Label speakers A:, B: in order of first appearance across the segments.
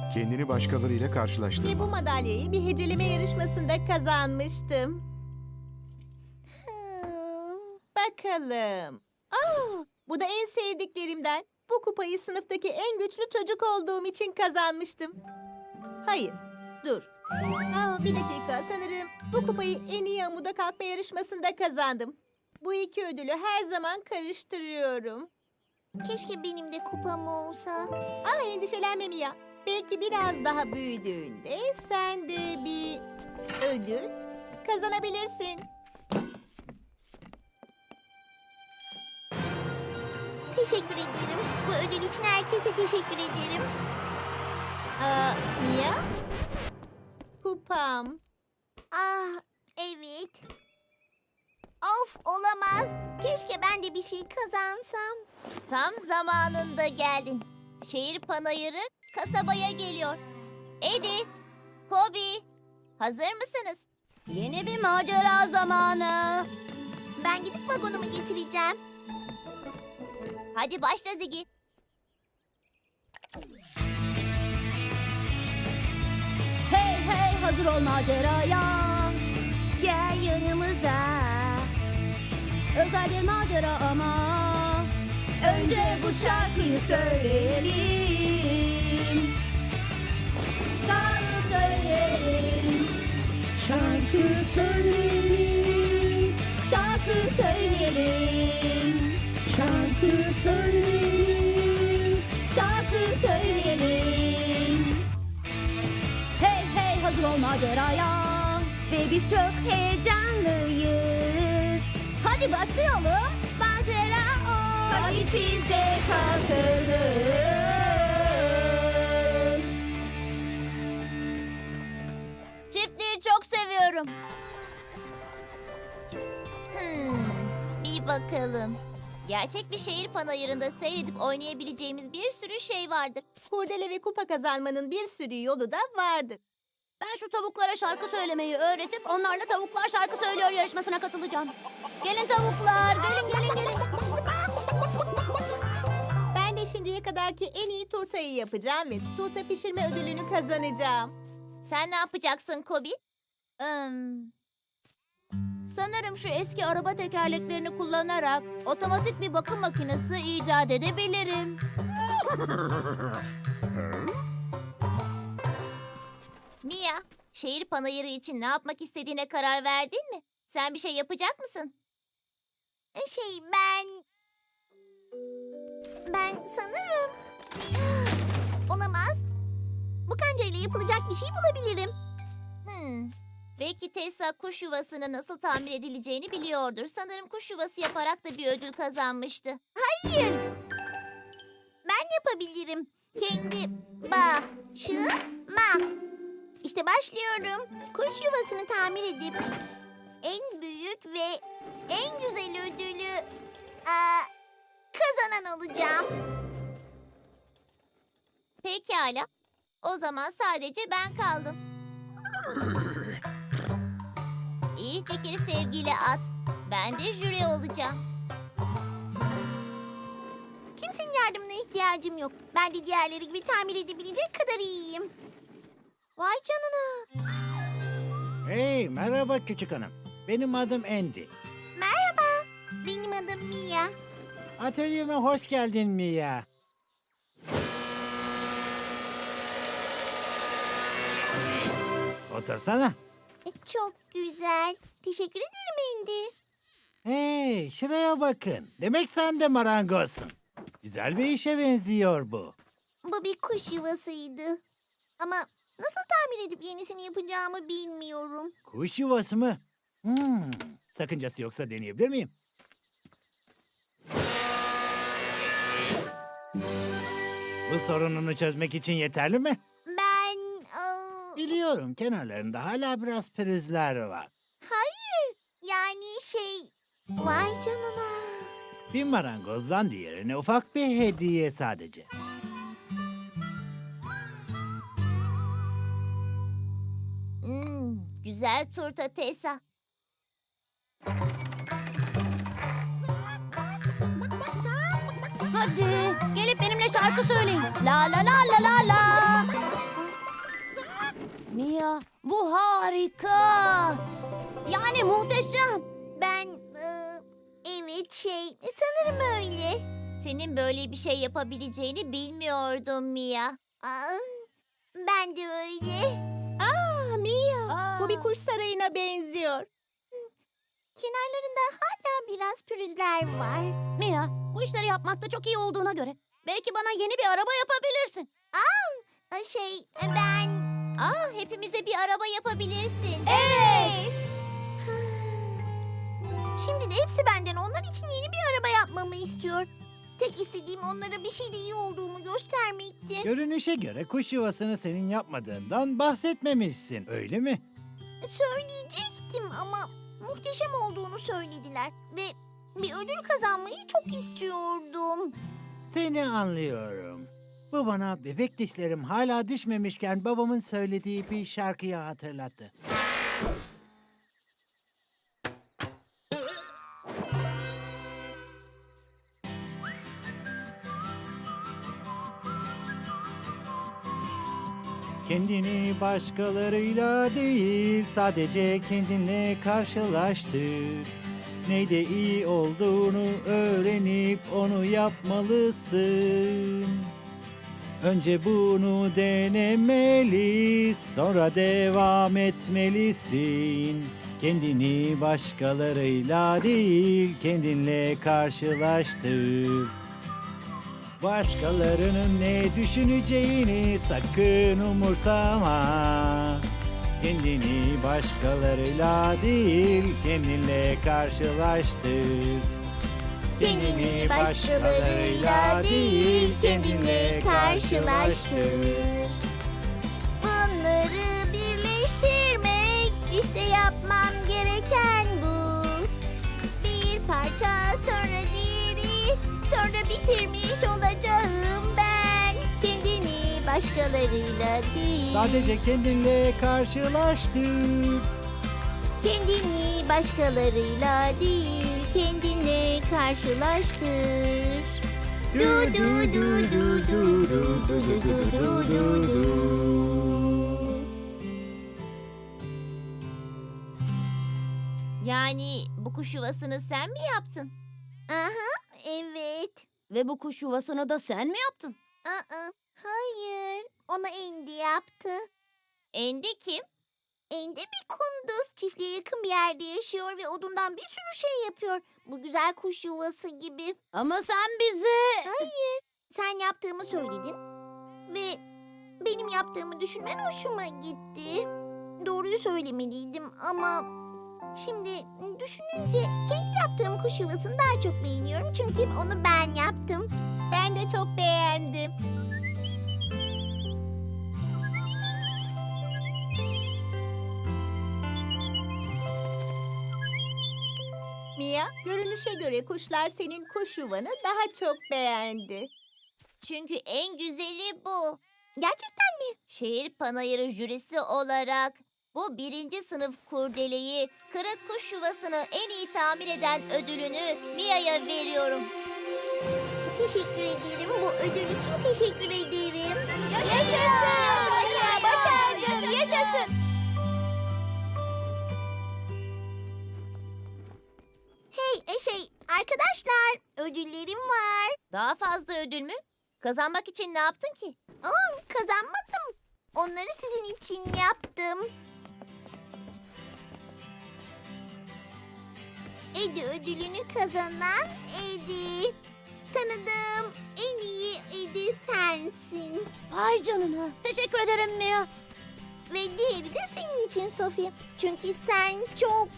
A: Kendini başkalarıyla
B: Ve
A: karşılaştırma.
B: bu madalyayı bir heceleme yarışmasında kazanmıştım. Bakalım. Bu da en sevdiklerimden. Bu kupayı sınıftaki en güçlü çocuk olduğum için kazanmıştım. Hayır, dur. Bir dakika, sanırım bu kupayı en iyi amuda kalkma yarışmasında kazandım. Bu iki ödülü her zaman karıştırıyorum.
C: Keşke benim de kupam olsa.
B: Endişelenme Mia. Belki biraz daha büyüdüğünde sen de bir ödül kazanabilirsin.
C: Teşekkür ederim. Bu ödül için herkese teşekkür ederim.
B: Mia? Kupam.
C: Ah, evet. Of, olamaz. Keşke ben de bir şey kazansam.
D: Tam zamanında geldin. Şehir panayırı kasabaya geliyor. Eddie, Kobi, hazır mısınız? Yeni bir macera zamanı.
C: Ben gidip vagonumu getireceğim.
D: Hadi başla Ziggy.
E: Hey hey hazır ol maceraya. Gel yanımıza. Özel bir macera ama. Önce bu şarkıyı söyleyelim. Şarkı söyleyelim. Şarkı söyleyelim. Şarkı söyleyelim. Şarkı söyleyelim. Şarkı söyleyelim. Hey hey hazır ol maceraya. Ve biz çok heyecanlıyız. Hadi başlayalım. Macera o. Hadi siz de katılın.
D: Çiftliği çok seviyorum. Bir bakalım. Gerçek bir şehir panayırında seyredip oynayabileceğimiz bir sürü şey vardır.
B: Kurdele ve kupa kazanmanın bir sürü yolu da vardır.
E: Ben şu tavuklara şarkı söylemeyi öğretip onlarla tavuklar şarkı söylüyor yarışmasına katılacağım. Gelin tavuklar, gelin gelin gelin.
B: Ben de şimdiye kadarki en iyi turtayı yapacağım ve turta pişirme ödülünü kazanacağım.
D: Sen ne yapacaksın Kobi?
E: Sanırım şu eski araba tekerleklerini kullanarak otomatik bir bakım makinesi icat edebilirim.
D: Mia, şehir panayırı için ne yapmak istediğine karar verdin mi? Sen bir şey yapacak mısın?
C: Ben sanırım... Olamaz. Bu kancayla yapılacak bir şey bulabilirim.
D: Belki Tessa kuş yuvasının nasıl tamir edileceğini biliyordur. Sanırım kuş yuvası yaparak da bir ödül kazanmıştı.
C: Hayır. Ben yapabilirim. Kendi başıma. İşte başlıyorum. Kuş yuvasını tamir edip en büyük ve en güzel ödülü kazanan olacağım.
D: Pekala. O zaman sadece ben kaldım. İyi fikri sevgiyle at. Ben de jüri olacağım.
C: Kimsenin yardımına ihtiyacım yok. Ben de diğerleri gibi tamir edebilecek kadar iyiyim. Vay canına.
F: Hey, merhaba küçük hanım. Benim adım Andy.
C: Merhaba. Benim adım Mia.
F: Atölyeme hoş geldin Mia. Otursana.
C: Çok güzel. Teşekkür ederim Andy.
F: Hey, şuraya bakın. Demek sen de marangozsun. Güzel bir işe benziyor bu.
C: Bu bir kuş yuvasıydı. Ama nasıl tamir edip yenisini yapacağımı bilmiyorum.
F: Kuş yuvası mı? Sakıncası yoksa deneyebilir miyim? Bu sorununu çözmek için yeterli mi? Biliyorum, kenarlarında hala biraz pürüzler var.
C: Yani vay canına.
F: Bir marangozdan diğerine ufak bir hediye sadece.
D: Güzel turta Tessa.
E: Hadi gelip benimle şarkı söyleyin. La la la la la la. Mia, bu harika. Yani muhteşem.
C: Evet sanırım öyle.
D: Senin böyle bir şey yapabileceğini bilmiyordum Mia.
C: Ben de öyle.
B: Mia, bu bir kuş sarayına benziyor.
C: Kenarlarında hala biraz pürüzler var.
E: Mia, bu işleri yapmakta çok iyi olduğuna göre belki bana yeni bir araba yapabilirsin.
C: Ben...
D: Hepimize bir araba yapabilirsin.
C: Evet. Şimdi de hepsi benden onlar için yeni bir araba yapmamı istiyor. Tek istediğim onlara bir şeyde iyi olduğumu göstermekti.
F: Görünüşe göre kuş yuvasını senin yapmadığından bahsetmemişsin, öyle mi?
C: Söyleyecektim ama muhteşem olduğunu söylediler. Ve bir ödül kazanmayı çok istiyordum.
F: Seni anlıyorum. Bu bana bebek dişlerim hala düşmemişken babamın söylediği bir şarkıyı hatırlattı. Kendini başkalarıyla değil, sadece kendinle karşılaştır. Neyde iyi olduğunu öğrenip onu yapmalısın. Önce bunu denemeli, sonra devam etmelisin. Kendini başkalarıyla değil, kendinle karşılaştır. Başkalarının ne düşüneceğini sakın umursama. Kendini başkalarıyla değil, kendinle karşılaştır.
C: Kendini başkalarıyla değil, kendinle karşılaştır. Bunları birleştirmek, işte yapmam gereken bu. Bir parça sonra diğeri, sonra bitirmiş olacağım ben. Kendini başkalarıyla değil,
F: Sadece kendinle karşılaştır.
C: kendini başkalarıyla değil, kendinle karşılaştır. Du du du du du du du du du du du.
D: Yani bu kuş yuvasını sen mi yaptın?
C: Aha, evet.
E: Ve bu kuş yuvasını da sen mi yaptın?
C: Hayır, onu Andy yaptı.
D: Andy kim?
C: Andy bir kunduz, çiftliğe yakın bir yerde yaşıyor ve odundan bir sürü şey yapıyor. Bu güzel kuş yuvası gibi.
E: Ama sen bize...
C: Hayır, sen yaptığımı söyledin ve benim yaptığımı düşünmen hoşuma gitti. Doğruyu söylemeliydim ama şimdi düşününce kendi yaptığım kuş yuvasını daha çok beğeniyorum. Çünkü onu ben yaptım.
B: Ben de çok beğendim. Mia, görünüşe göre kuşlar senin kuş yuvanı daha çok beğendi.
D: Çünkü en güzeli bu.
C: Gerçekten mi?
D: Şehir panayırı jürisi olarak bu 1. sınıf kurdeleyi kırık kuş yuvasını en iyi tamir eden ödülünü Mia'ya veriyorum.
C: Teşekkür ederim. Bu ödül için teşekkür ederim.
D: Yaşasın!
C: Mia, başardın. Yaşasın. Hey, arkadaşlar, ödüllerim var.
D: Daha fazla ödül mü? Kazanmak için ne yaptın ki?
C: Kazanmadım. Onları sizin için yaptım. Eddie ödülünü kazanan Eddie. Tanıdığım en iyi Eddie sensin.
E: Vay canına. Teşekkür ederim Mia.
C: Ve diğeri de senin için Sophie. Çünkü sen çok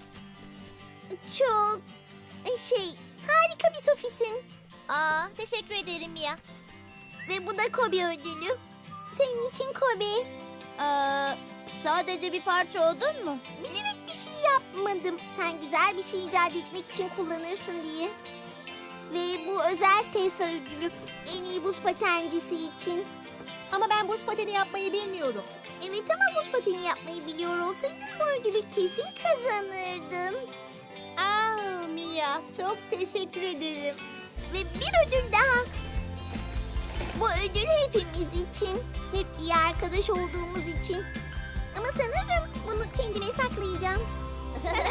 C: harika bir Sophie'sin.
D: Teşekkür ederim Mia.
C: Ve bu da Kobe ödülü. Senin için Kobe.
E: Sadece bir parça odun mu?
C: Bilerek bir şey yapmadım. Sen güzel bir şey icat etmek için kullanırsın diye. Ve bu özel Tessa ödülü. En iyi buz patencisi için.
B: Ama ben buz pateni yapmayı bilmiyorum.
C: Evet ama buz pateni yapmayı biliyor olsaydın bu ödülü kesin kazanırdın.
B: Mia, çok teşekkür ederim.
C: Ve bir ödül daha. Bu ödül hepimiz için. Hep iyi arkadaş olduğumuz için. Ama sanırım bunu kendime saklayacağım.